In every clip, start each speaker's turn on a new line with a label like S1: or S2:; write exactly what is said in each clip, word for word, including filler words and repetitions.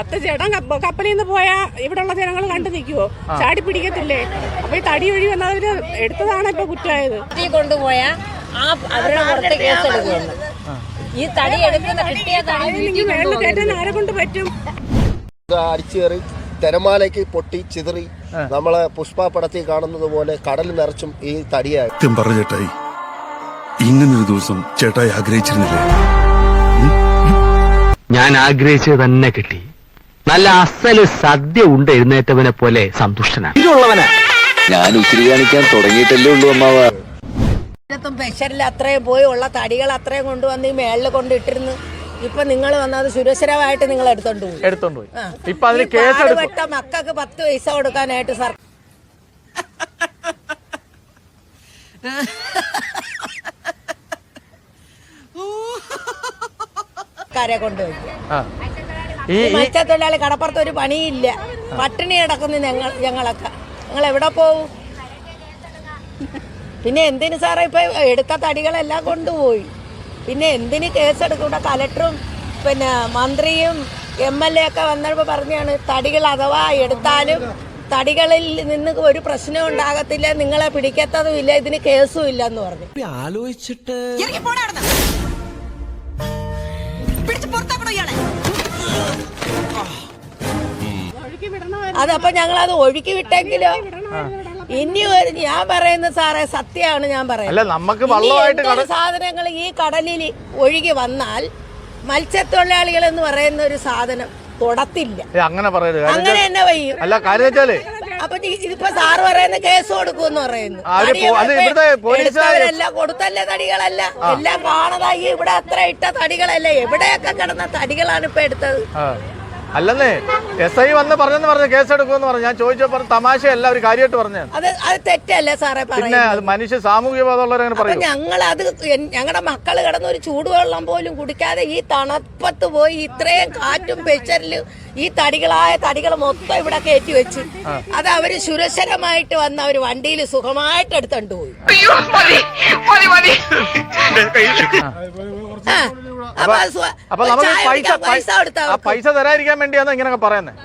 S1: പത്ത് ചേട്ടൻ കപ്പലിൽ നിന്ന് പോയാ ഇവിടെയുള്ള ജനങ്ങൾ കണ്ടു നിൽക്കുവോ? ചാടി പിടിക്കത്തില്ലേ? അപ്പൊ ഈ തടി ഒഴി വന്നതിന് എടുത്തതാണ് ഇപ്പൊ കുറ്റമായത്.
S2: കൊണ്ടുപോയാ ആ അവരുടെ പുറത്ത് കേസെടുക്കുന്നു. ഈ തടി എടുക്കുന്ന കിട്ടിയ
S1: മേളിൽ കയറ്റാൻ ആരെ കൊണ്ട് പറ്റും?
S3: അടിച്ചേറി തിരമാലയ്ക്ക് പൊട്ടി ചിതറി നമ്മളെ പുഷ്പ പടത്തിൽ കാണുന്നത് പോലെ കടലിൽ നിറച്ചും ഈ തടിയായി.
S4: സത്യം പറഞ്ഞ ചേട്ടായി, ഇങ്ങനൊരു ദിവസം ചേട്ടായി ആഗ്രഹിച്ചിരുന്നില്ലേ?
S5: ഞാൻ ആഗ്രഹിച്ചത് തന്നെ കിട്ടി. നല്ല അസല് സദ്യ ഉണ്ട് എഴുന്നേറ്റവനെ പോലെ സന്തുഷ്ടനാണ്.
S6: ഞാൻ ഉച്ചിരി കാണിക്കാൻ തുടങ്ങിയിട്ടല്ലേ ഉള്ളൂ അമ്മാവ.
S2: പ്രഷറിൽ അത്രയും പോയി ഉള്ള തടികൾ അത്രയും കൊണ്ടുവന്ന് ഈ മേളിൽ കൊണ്ടിട്ടിരുന്നു. ഇപ്പൊ നിങ്ങൾ വന്നത് സുരക്ഷിതമായിട്ട് നിങ്ങൾ എടുത്തോണ്ട് പോയി
S7: എടുത്തോണ്ട് പോയി ഇപ്പൊ അതിന് കേസെടുത്ത
S2: മക്കൾക്ക് പത്ത് പൈസ കൊടുക്കാനായിട്ട് സർക്കാർ കൊണ്ടുപോയി. മത്സ്യത്തൊഴിലാളി കടപ്പുറത്ത് ഒരു പണിയില്ല, പട്ടിണി കിടക്കുന്നു ഞങ്ങൾ ഞങ്ങളൊക്കെ. ഞങ്ങൾ എവിടെ പോവും? പിന്നെ എന്തിന് സാറേ ഇപ്പൊ എടുത്ത തടികളെല്ലാം കൊണ്ടുപോയി? പിന്നെ എന്തിന് കേസെടുക്കൂടെ? കലക്ടറും പിന്നെ മന്ത്രിയും എം എൽ എ ഒക്കെ വന്നപ്പോൾ പറഞ്ഞാണ് തടികൾ അഥവാ എടുത്താലും തടികളിൽ നിന്ന് ഒരു പ്രശ്നം ഉണ്ടാകത്തില്ല, നിങ്ങളെ പിടിക്കത്തതും ഇല്ല, ഇതിന് കേസും ഇല്ല എന്ന് പറഞ്ഞു.
S8: ആലോചിച്ചിട്ട്
S2: അതപ്പൊ ഞങ്ങളത് ഒഴുക്കി വിട്ടെങ്കിലോ? ഇനി ഒരു ഞാൻ പറയുന്നത് സാറേ സത്യമാണ് ഞാൻ പറയുന്നത്. സാധനങ്ങൾ ഈ കടലിൽ ഒഴുകി വന്നാൽ മത്സ്യത്തൊഴിലാളികൾ എന്ന് പറയുന്ന ഒരു സാധനം തൊടത്തില്ല.
S7: അങ്ങനെ പറയരുത്.
S2: അങ്ങനെ തന്നെ വയ്യും. അപ്പൊ ഇതിപ്പോ സാറ് പറയുന്ന കേസ് കൊടുക്കുമെന്ന് പറയുന്നു. എല്ലാം കൊടുത്തല്ലേ തടികളല്ല, എല്ലാം കാണതായി. ഇവിടെ അത്ര ഇട്ട തടികളല്ല, എവിടെയൊക്കെ കിടന്ന തടികളാണ് ഇപ്പൊ എടുത്തത്.
S7: അല്ലെന്നേ എസ് ഐ വന്ന് പറഞ്ഞെന്ന് പറഞ്ഞു കേസെടുക്കുമെന്ന് പറഞ്ഞു. ഞാൻ ചോദിച്ചപ്പോ തമാശയല്ല, ഒരു കാര്യമായിട്ട് പറഞ്ഞു.
S2: അത് അത് തെറ്റല്ലേ സാറേ?
S7: പിന്നെ അത് മനുഷ്യ സാമൂഹ്യ ബോധമുള്ളവരങ്ങനെ പറയും.
S2: ഞങ്ങൾ അത് ഞങ്ങളുടെ മക്കള് കിടന്ന ഒരു ചൂടുവെള്ളം പോലും കുടിക്കാതെ ഈ തണുപ്പത്ത് പോയി ഇത്രയും കാറ്റും പ്രഷറിലും ഈ തടികളായ തടികൾ മൊത്തം ഇവിടെ കയറ്റി വെച്ച് അത് അവര് സുരക്ഷിതമായിട്ട് വന്ന് അവര് വണ്ടിയിൽ സുഖമായിട്ട് എടുത്തോണ്ട് പോയി.
S7: അപ്പൊ നമുക്ക് പൈസ പൈസ തരാതിരിക്കാൻ വേണ്ടിയാണ് ഇങ്ങനെയൊക്കെ പറയുന്നത്.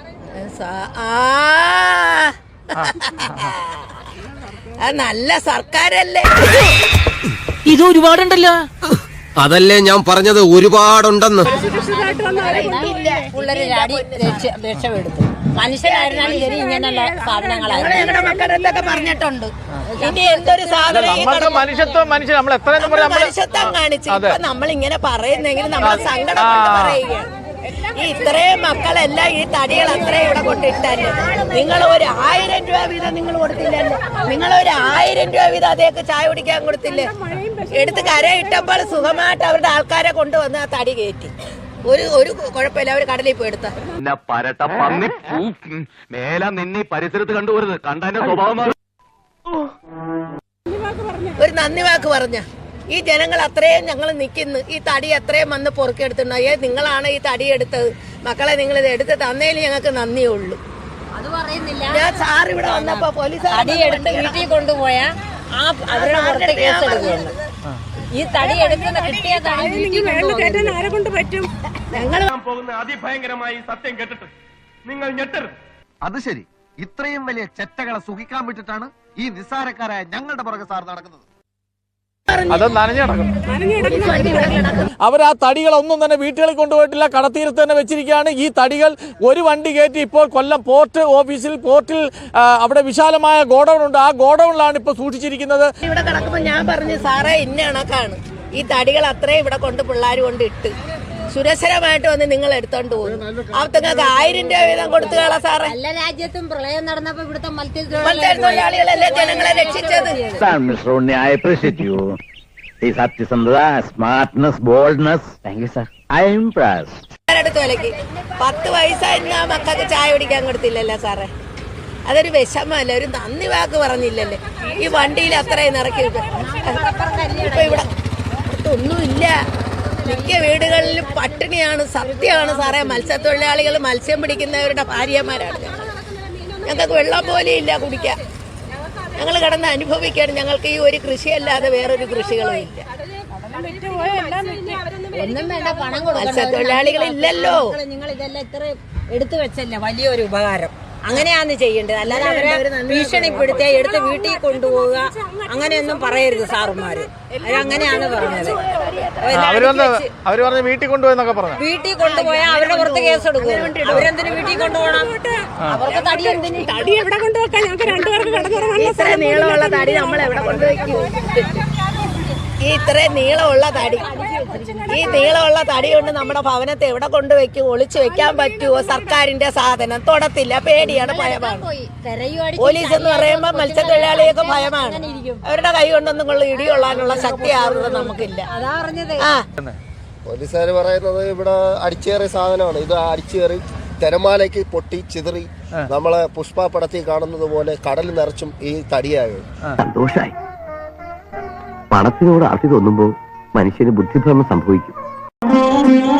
S2: നല്ല സർക്കാരല്ലേ
S8: ഇത്? ഒരുപാടുണ്ടല്ലോ. അതല്ലേ ഞാൻ പറഞ്ഞത്, ഒരുപാടുണ്ടെന്ന്.
S2: പിള്ളേര് രക്ഷപ്പെടുത്തു. മനുഷ്യനായിരുന്നാലും ശരി ഇങ്ങനെയുള്ള സാധനങ്ങളായിരുന്നു ഞങ്ങളുടെ മക്കളെന്തൊക്കെ പറഞ്ഞിട്ടുണ്ട്. ഇനി എന്തൊരു സാധനം
S7: മനുഷ്യത്വം മനുഷ്യൻ നമ്മൾ എത്ര
S2: മനുഷ്യത്വം കാണിച്ചു നമ്മൾ ഇങ്ങനെ പറയുന്നെങ്കിൽ നമ്മൾ സങ്കടം കൊണ്ട് പറയുകയാണ്. ഈ ഇത്രയും മക്കളെല്ലാം ഈ തടികൾ അത്രയും ഇവിടെ കൊണ്ടിട്ടല്ലേ? നിങ്ങൾ ഒരു ആയിരം രൂപ വീതം നിങ്ങൾ കൊടുത്തില്ലല്ലോ? നിങ്ങൾ ഒരു ആയിരം രൂപ വീതം അതേക്ക് ചായ കുടിക്കാൻ കൊടുത്തില്ലേ? എടുത്ത് കരയിട്ടപ്പോൾ സുഖമായിട്ട് അവരുടെ ആൾക്കാരെ കൊണ്ടുവന്ന് ആ തടി കയറ്റി. ഒരു ഒരു കുഴപ്പമില്ല, അവര് കടലിൽ പോയി എടുത്ത
S5: പരിസരത്ത് കണ്ടുപോരുത്. കണ്ടതിന്റെ സ്വഭാവം
S2: ഒരു നന്ദി വാക്ക് പറഞ്ഞ ഈ ജനങ്ങൾ അത്രയും ഞങ്ങൾ നിൽക്കുന്നു. ഈ തടി അത്രയും വന്ന് പൊറുക്കെടുത്തിട്ടുണ്ടോ? ഏ നിങ്ങളാണ് ഈ തടി എടുത്തത്, മക്കളെ നിങ്ങൾ ഇത് എടുത്ത് തന്നതിൽ ഞങ്ങൾക്ക് നന്ദിയേ ഉള്ളൂ. ഞാൻ സാർ ഇവിടെ വന്നപ്പോ പോലീസ് വീട്ടിൽ കൊണ്ടുപോയാ ആ അവരുടെ പുറത്ത് കേസെടുക്കുകയാണ്. ഈ തടി എടുക്കുന്ന കിട്ടിയ
S1: മേളിൽ കയറ്റാൻ ആരെ കൊണ്ട് പറ്റും?
S2: ഞങ്ങൾ
S9: പോകുന്ന അതിഭയങ്കരമായി സത്യം കേട്ടിട്ട് നിങ്ങൾ ഞെട്ടരുത്.
S6: അത് ശരി, ഇത്രയും വലിയ ചെറ്റകളെ സുഖിക്കാൻ വിട്ടിട്ടാണ് ഈ നിസ്സാരക്കാരായ ഞങ്ങളുടെ പുറകെ സാർ നടക്കുന്നത്.
S7: അത് നനഞ്ഞടക്കണം. അവർ ആ തടികളൊന്നും തന്നെ വീട്ടുകളിൽ കൊണ്ടുപോയിട്ടില്ല, കടത്തീരത്ത് തന്നെ വെച്ചിരിക്കുകയാണ്. ഈ തടികൾ ഒരു വണ്ടി കയറ്റി ഇപ്പോൾ കൊല്ലം പോർട്ട് ഓഫീസിൽ പോർട്ടിൽ അവിടെ വിശാലമായ ഗോഡൌൺ ഉണ്ട്, ആ ഗോഡൌണിലാണ് ഇപ്പോൾ സൂക്ഷിച്ചിരിക്കുന്നത്.
S2: ഇവിടെ കിടക്കുമ്പോൾ ഞാൻ പറഞ്ഞു സാറേ ഇന്ന കണക്കാണ് ഈ തടികൾ അത്രയും ഇവിടെ കൊണ്ട് പിള്ളേർ കൊണ്ട് ഇട്ട് സുരക്ഷിതമായിട്ട് വന്ന് നിങ്ങൾ എടുത്തോണ്ട് പോകും. അവർക്ക് ആയിരം രൂപ വീതം കൊടുത്തു കളാ സാറേ.
S10: എല്ലാ രാജ്യത്തും പ്രളയം നടന്നപ്പോ ഇവിടുത്തെ
S2: മത്സ്യത്തൊഴിലാളികളല്ലേ ജനങ്ങളെ രക്ഷിച്ചത്.
S5: സത്യസന്ധത, smartness, boldness. Thank you sir, I am impressed.
S2: അടുത്ത് വിലക്ക് പത്ത് പൈസ ആ മക്കൾക്ക് ചായ കുടിക്കാൻ കൊടുത്തില്ലല്ലോ സാറേ? അതൊരു വിഷമല്ലേ? ഒരു നന്ദി വാക്ക് പറഞ്ഞില്ലല്ലേ? ഈ വണ്ടിയിൽ അത്രയും ഇറക്കി ഇപ്പൊ ഇവിടെ ഒന്നുമില്ല. മിക്ക വീടുകളിലും പട്ടിണിയാണ്, സത്യമാണ് സാറേ. മത്സ്യത്തൊഴിലാളികൾ മത്സ്യം പിടിക്കുന്നവരുടെ ഭാര്യമാരാണ്. ഞങ്ങൾക്ക് വെള്ളം പോലും ഇല്ല കുടിക്കാൻ. ഞങ്ങൾ കിടന്ന് അനുഭവിക്കുകയാണ്. ഞങ്ങൾക്ക് ഈ ഒരു കൃഷിയല്ലാതെ വേറൊരു കൃഷികളും ഇല്ല.
S10: ഒന്നും വേണ്ട, പണം
S2: മത്സ്യത്തൊഴിലാളികളില്ലല്ലോ.
S10: നിങ്ങൾ ഇതെല്ലാം ഇത്ര എടുത്തു വെച്ചല്ലേ വലിയൊരു ഉപകാരം. അങ്ങനെയാന്ന് ചെയ്യേണ്ടത്, അല്ലാതെ അവരെ ഭീഷണിപ്പെടുത്തിയ എടുത്ത് വീട്ടിൽ കൊണ്ടുപോവുക അങ്ങനെയൊന്നും പറയരുത് സാറുമാര്. അവരങ്ങനെയാണ് പറഞ്ഞത്.
S7: അവര് വന്ന് അവര് പറഞ്ഞ് വീട്ടിൽ കൊണ്ടുപോയെന്നൊക്കെ പറഞ്ഞു.
S10: വീട്ടിൽ കൊണ്ടുപോയാൽ അവരുടെ പുറത്ത് കേസ് എടുക്കും. അവരെന്തിനു വീട്ടിൽ കൊണ്ടുപോകണം? അവർക്ക് തടി എന്തിന്?
S1: തടി എവിടെ കൊണ്ടുവെക്കാൻ? ഞങ്ങൾക്ക് രണ്ടുപേർക്ക് കിടന്നുറങ്ങാനുള്ള
S2: ഇത്ര നീളമുള്ള തടി നമ്മൾ എവിടെ കൊണ്ടുവയ്ക്കും? ഈ ഇത്രയും നീളമുള്ള തടി ഈ നീളമുള്ള തടി കൊണ്ട് നമ്മുടെ ഭവനത്തെ എവിടെ കൊണ്ടുവയ്ക്കും? ഒളിച്ചു വെക്കാൻ പറ്റുമോ? സർക്കാരിന്റെ സാധനം തൊടത്തില്ല, പേടിയാണ്, ഭയമാണ്. പോലീസ് എന്ന് പറയുമ്പോൾ മത്സ്യത്തൊഴിലാളിയൊക്കെ ഭയമാണ്. അവരുടെ കൈ കൊണ്ടൊന്നും കൊള്ള ഇടികൊള്ളാനുള്ള ശക്തി ആവുന്നത് നമുക്കില്ല.
S10: അതാ പറഞ്ഞത്.
S2: ആ
S3: പോലീസുകാർ പറയുന്നത് ഇവിടെ അടിച്ചേറിയ സാധനമാണ്. ഇത് അടിച്ചേറി തിരമാലയ്ക്ക് പൊട്ടി ചിതറി നമ്മളെ പുഷ്പ പടത്തിൽ കാണുന്നത് പോലെ കടൽ നിറച്ചും ഈ തടിയായത്.
S5: സന്തോഷായി. പണത്തിനോട് ആർത്തി തോന്നുമ്പോ മനുഷ്യന് ബുദ്ധിഭ്രമം സംഭവിക്കും.